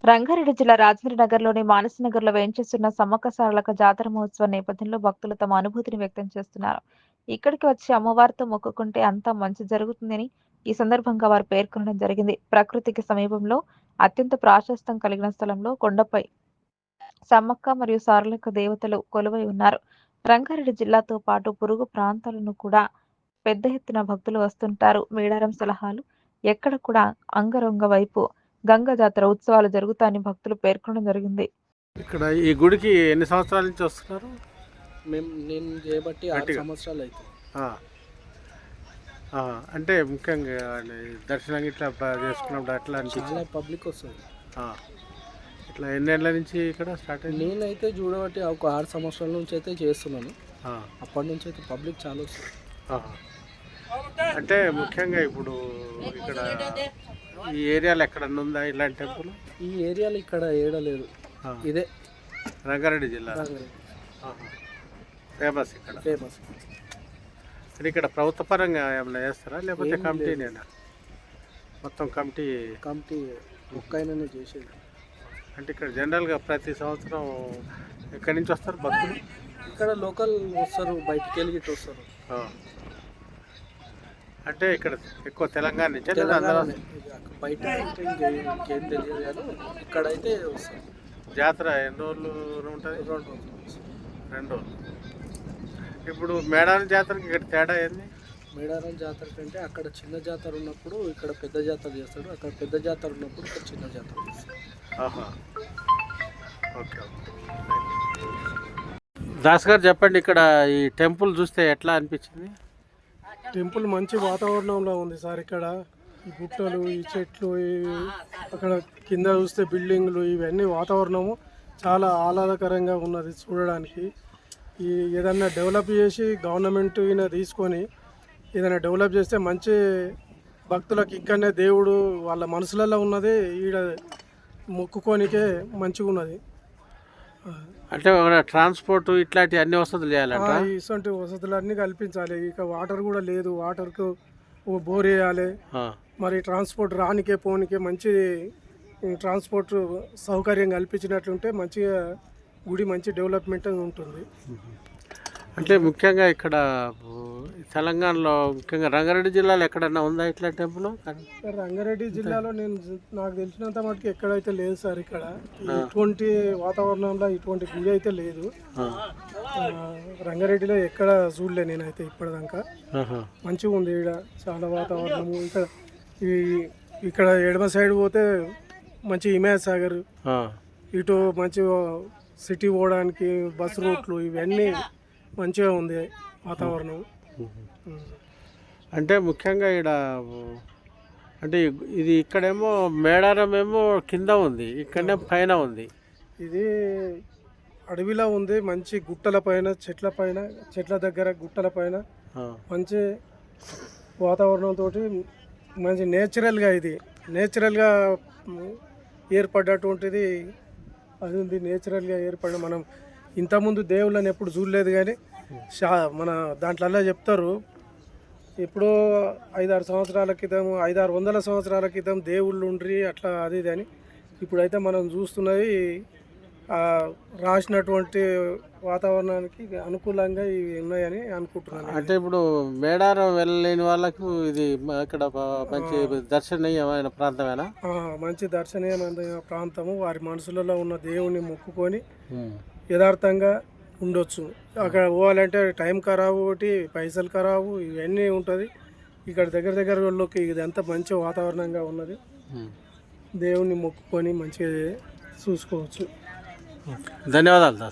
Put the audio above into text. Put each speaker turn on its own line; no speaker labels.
రంగారెడ్డి జిల్లా రాజేంద్రనగర్లోని మానసనగర్లో వేంచేస్తున్న సమ్మక్క సారలక్క జాతర మహోత్సవం నేపథ్యంలో భక్తులు తమ అనుభూతిని వ్యక్తం చేస్తున్నారు. ఇక్కడికి వచ్చి అమ్మవారితో మొక్కుకుంటే అంతా మంచి జరుగుతుందని ఈ సందర్భంగా వారు పేర్కొనడం జరిగింది. ప్రకృతికి సమీపంలో అత్యంత ప్రాశస్త్యం కలిగిన స్థలంలో కొండపై సమ్మక్క మరియు సారలక్క దేవతలు కొలువై ఉన్నారు. రంగారెడ్డి జిల్లాతో పాటు పొరుగు ప్రాంతాలను కూడా పెద్ద ఎత్తున భక్తులు వస్తుంటారు. మేడారం సలహాలు ఎక్కడ కూడా అంగరంగ వైపు గంగ జాతర ఉత్సవాలు జరుగుతాయని భక్తులు పేర్కొనడం జరిగింది.
ఇక్కడ ఈ గుడికి ఎన్ని సంవత్సరాల నుంచి వస్తున్నారు?
నేను చేయబట్టి 6
గట్టిగా.
సంవత్సరాలు అవుతుంది.
అంటే ముఖ్యంగా దర్శనం ఇట్లా చేసుకున్నప్పుడు అట్లా
చాలా
అనిపించింది.
పబ్లిక్ వస్తుంది.
ఇట్లా ఎన్నేళ్ళ నుంచి ఇక్కడ స్టార్ట్ అయింది?
నేనైతే చూడబట్టి ఒక 6 సంవత్సరాల నుంచి అయితే చేస్తున్నాను. అప్పటి నుంచి అయితే పబ్లిక్ చాలా వస్తుంది.
అంటే ముఖ్యంగా ఇప్పుడు ఇక్కడ ఈ ఏరియాలో ఎక్కడన్నా ఉందా ఇలాంటి టెంపుల్?
ఈ ఏరియాలో ఇక్కడ ఏడలేదు. ఇదే
రంగారెడ్డి జిల్లా ఫేమస్ ఇక్కడ.
ఫేమస్.
అంటే ఇక్కడ ప్రభుత్వ పరంగా ఏమైనా చేస్తారా లేకపోతే
ఏం
కమిటీనేనా? మొత్తం కమిటీ
ఒక్కైనా చేసేది.
అంటే ఇక్కడ జనరల్గా ప్రతి సంవత్సరం ఎక్కడి నుంచి వస్తారు భక్తులు?
ఇక్కడ లోకల్ వస్తారు, బయటికి వెళ్ళి గిట్ట వస్తారు.
అంటే ఇక్కడ ఎక్కువ తెలంగాణ నుంచి
తెలంగాణనే. బయట అంటే ఇంకేం తెలియదు కానీ ఇక్కడైతే వస్తారు.
జాతర ఎన్ని రోజులు ఉంటుంది?
2 రోజులు.
2 రోజులు. ఇప్పుడు మేడారం జాతరకి ఇక్కడ తేడా ఏంది?
మేడారం జాతర కంటే అక్కడ చిన్న జాతర ఉన్నప్పుడు ఇక్కడ పెద్ద జాతర చేస్తాడు, అక్కడ పెద్ద జాతర ఉన్నప్పుడు ఇక్కడ చిన్న జాతర చేస్తాడు.
ఓకే. దాస్ గారు చెప్పండి, ఇక్కడ ఈ టెంపుల్ చూస్తే ఎట్లా అనిపించింది?
టెంపుల్ మంచి వాతావరణంలో ఉంది సార్. ఇక్కడ ఈ గుట్టలు, ఈ చెట్లు, అక్కడ కింద చూస్తే బిల్డింగ్లు, ఇవన్నీ వాతావరణము చాలా ఆహ్లాదకరంగా ఉన్నది చూడడానికి. ఈ ఏదన్నా డెవలప్ చేసి గవర్నమెంట్ ఈయన తీసుకొని ఏదైనా డెవలప్ చేస్తే మంచి భక్తులకు ఇక్కడనే దేవుడు వాళ్ళ మనసులలో ఉన్నది ఈడ మొక్కుకోనికే మంచిగా ఉన్నది.
అంటే ట్రాన్స్పోర్ట్ ఇట్లాంటి అన్ని వసతులు చేయాలంట.
ఇటువంటి వసతులన్నీ కల్పించాలి. ఇక వాటర్ కూడా లేదు, వాటర్కు బోర్ వేయాలి. మరి ట్రాన్స్పోర్ట్ రానికే పోనికే మంచి ట్రాన్స్పోర్ట్ సౌకర్యం కల్పించినట్లుంటే మంచిగా గుడి మంచి డెవలప్మెంట్ ఉంటుంది.
అంటే ముఖ్యంగా ఇక్కడ తెలంగాణలో ముఖ్యంగా రంగారెడ్డి జిల్లాలో ఎక్కడన్నా ఉందా ఇట్లా టెంపుల్?
రంగారెడ్డి జిల్లాలో నాకు తెలిసినంత మటుకు ఎక్కడైతే లేదు సార్. ఇక్కడ ఇటువంటి వాతావరణంలో ఇటువంటి గుడి అయితే లేదు. రంగారెడ్డిలో ఎక్కడ చూడలే నేనైతే ఇప్పటిదాకా. మంచిగా ఉంది ఇక్కడ చాలా వాతావరణము. ఇక్కడ ఎడమ సైడ్ పోతే మంచి హిమాయత్ సాగర్, ఇటు మంచి సిటీ పోవడానికి బస్ రూట్లు ఇవన్నీ మంచిగా ఉంది వాతావరణం.
అంటే ముఖ్యంగా ఇక్కడ అంటే ఇది ఇక్కడేమో మేడారం ఏమో కింద ఉంది, ఇక్కడనే పైన ఉంది.
ఇది అడవిలో ఉంది, మంచి గుట్టల పైన, చెట్ల దగ్గర గుట్టల పైన మంచి వాతావరణంతో మంచి నేచురల్గా, ఇది నేచురల్గా ఏర్పడ్డటువంటిది అది ఉంది. నేచురల్గా ఏర్పడిన మనం ఇంతకుముందు దేవుళ్ళని ఎప్పుడు చూడలేదు కానీ మన దాంట్లో చెప్తారు ఎప్పుడో 5-6 సంవత్సరాల క్రితం, 500-600 సంవత్సరాల క్రితం దేవుళ్ళు ఉండ్రి అట్లా అది ఇది అని. ఇప్పుడైతే మనం చూస్తున్నది రాసినటువంటి వాతావరణానికి అనుకూలంగా ఇవి ఉన్నాయని అనుకుంటున్నాను.
అంటే ఇప్పుడు మేడారం వెళ్ళలేని వాళ్ళకు ఇది ఇక్కడ మంచి దర్శనీయమైన ప్రాంతమేనా?
మంచి దర్శనీయమైన ప్రాంతము. వారి మనసులలో ఉన్న దేవుని మొక్కుకొని యథార్థంగా ఉండొచ్చు. అక్కడ పోవాలంటే టైం ఖరాబు, ఒకటి పైసలు ఖరాబు, ఇవన్నీ ఉంటుంది. ఇక్కడ దగ్గర వాళ్ళకి ఇదంతా మంచి వాతావరణంగా ఉన్నది. దేవుని మొక్కుకొని మంచిగా చూసుకోవచ్చు.
ధన్యవాదాలు.